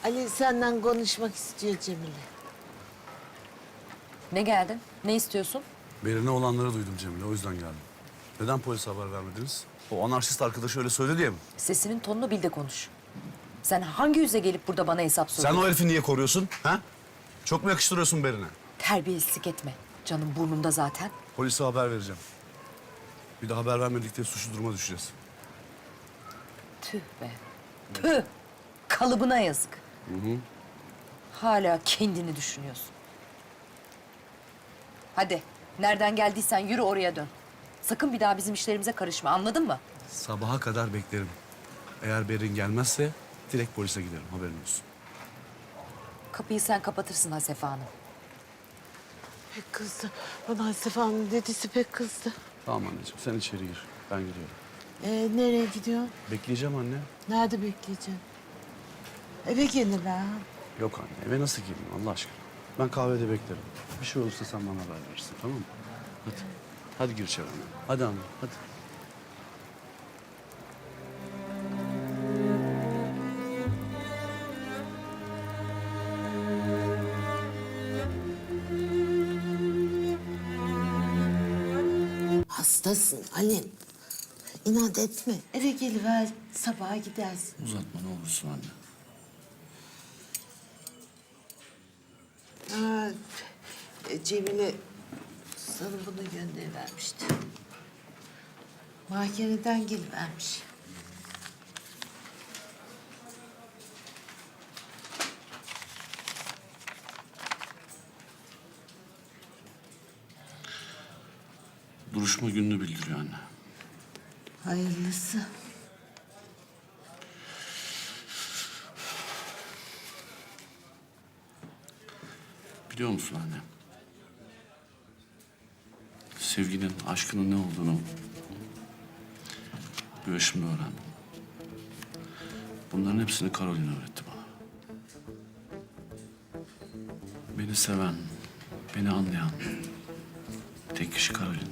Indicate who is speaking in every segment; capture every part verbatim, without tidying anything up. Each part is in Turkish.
Speaker 1: Ali senden konuşmak istiyor Cemile.
Speaker 2: Ne geldin? Ne istiyorsun?
Speaker 3: Berine olanları duydum Cemile, o yüzden geldim. Neden polise haber vermediniz? O anarşist arkadaşı öyle söyledi diye mi?
Speaker 2: Sesinin tonunu bil de konuş. Sen hangi yüze gelip burada bana hesap
Speaker 3: Sen
Speaker 2: soruyorsun?
Speaker 3: o herifi niye koruyorsun? Ha? Çok mu yakıştırıyorsun Berine?
Speaker 2: Terbiyesizlik etme. Canım burnumda zaten.
Speaker 3: Polise haber vereceğim. Bir de haber vermedik diye suçlu duruma düşeceğiz.
Speaker 2: Tüh be. Tüh. Kalıbına yazık.
Speaker 3: Hı hı.
Speaker 2: Hala kendini düşünüyorsun. Hadi. Nereden geldiysen yürü oraya dön. Sakın bir daha bizim işlerimize karışma. Anladın mı?
Speaker 3: Sabaha kadar beklerim. Eğer Berin gelmezse direkt polise giderim, haberin olsun.
Speaker 2: Kapıyı sen kapatırsın Hasefe Hanım.
Speaker 1: Pek kızdı. Bana Hasife Hanım dedisi pek kızdı.
Speaker 3: Tamam anneciğim, sen içeri gir. Ben gidiyorum.
Speaker 1: Ee, nereye gidiyorsun?
Speaker 3: Bekleyeceğim anne.
Speaker 1: Nerede bekleyeceksin? Eve gelir ha.
Speaker 3: Yok anne, eve nasıl geleyim Allah aşkına? Ben kahvede beklerim. Bir şey olursa sen bana haber verirsin, tamam mı? Hadi. Hadi gir içeri anne. Hadi anne, hadi.
Speaker 1: Hastasın Ali. İnat etme. Eve geliver. Sabaha gidersin.
Speaker 3: Uzatma ne olursun anne.
Speaker 1: Ha, e, Cemile sana bunu gönderivermişti. Mahkemeden gelivermiş.
Speaker 3: Duruşma gününü bildiriyor anne.
Speaker 1: Hayırlısı.
Speaker 3: Biliyor musun anne? Sevginin, aşkının ne olduğunu bu yaşımda öğrendim. Bunların hepsini Caroline öğretti bana. Beni seven, beni anlayan tek kişi Caroline.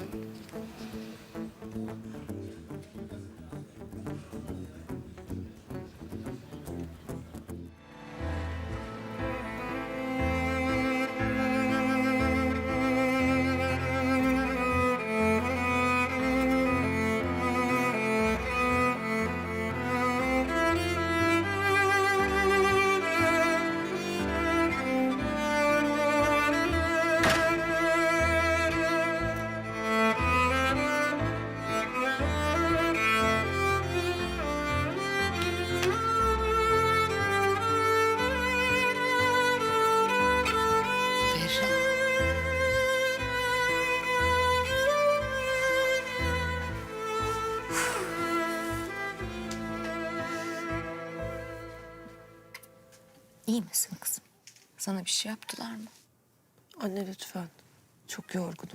Speaker 4: İyi misin kızım? Sana bir şey yaptılar mı?
Speaker 5: Anne lütfen. Çok yorgunum.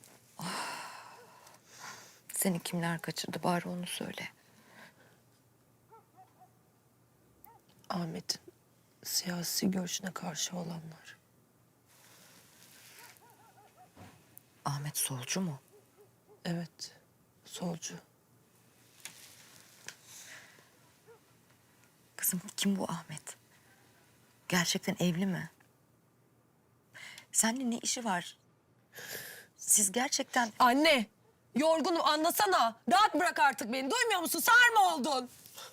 Speaker 4: Seni kimler kaçırdı bari onu söyle.
Speaker 5: Ahmet'in siyasi görüşüne karşı olanlar.
Speaker 4: Ahmet solcu mu?
Speaker 5: Evet, solcu.
Speaker 4: Kızım kim bu Ahmet? Gerçekten evli mi? Seninle ne işi var? Siz gerçekten...
Speaker 5: Anne, yorgunum anlasana. Rahat bırak artık beni. Duymuyor musun? Sağır mı oldun?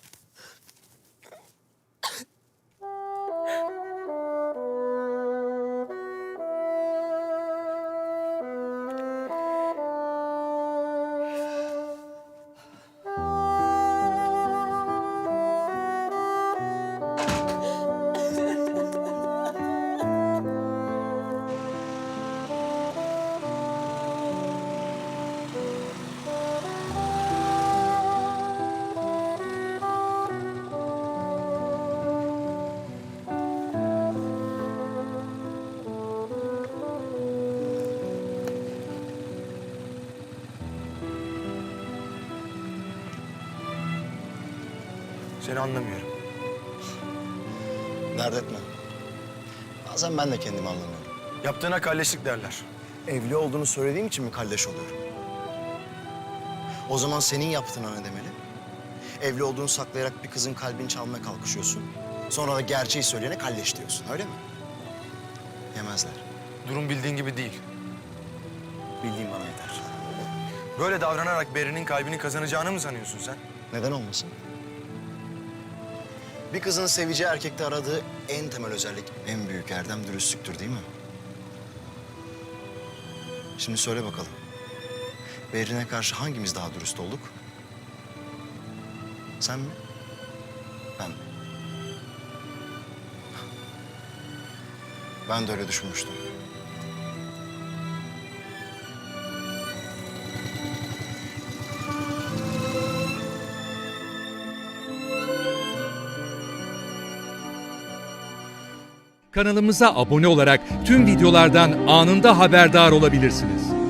Speaker 6: Seni anlamıyorum.
Speaker 7: Dert etme. Bazen ben de kendimi anlamıyorum.
Speaker 6: Yaptığına kalleşlik derler.
Speaker 7: Evli olduğunu söylediğim için mi kalleş oluyorum? O zaman senin yaptığına ne demeli? Evli olduğunu saklayarak bir kızın kalbini çalmaya kalkışıyorsun. Sonra da gerçeği söyleyene kalleş diyorsun, öyle mi? Yemezler.
Speaker 6: Durum bildiğin gibi değil.
Speaker 7: Bildiğim bana yeter.
Speaker 6: Böyle davranarak Berin'in kalbini kazanacağını mı sanıyorsun sen?
Speaker 7: Neden olmasın? Bir kızın seveceği erkekte aradığı en temel özellik, en büyük erdem dürüstlüktür değil mi? Şimdi söyle bakalım. Berin'e karşı hangimiz daha dürüst olduk? Sen mi? Ben mi? Ben de öyle düşünmüştüm.
Speaker 8: Kanalımıza abone olarak tüm videolardan anında haberdar olabilirsiniz.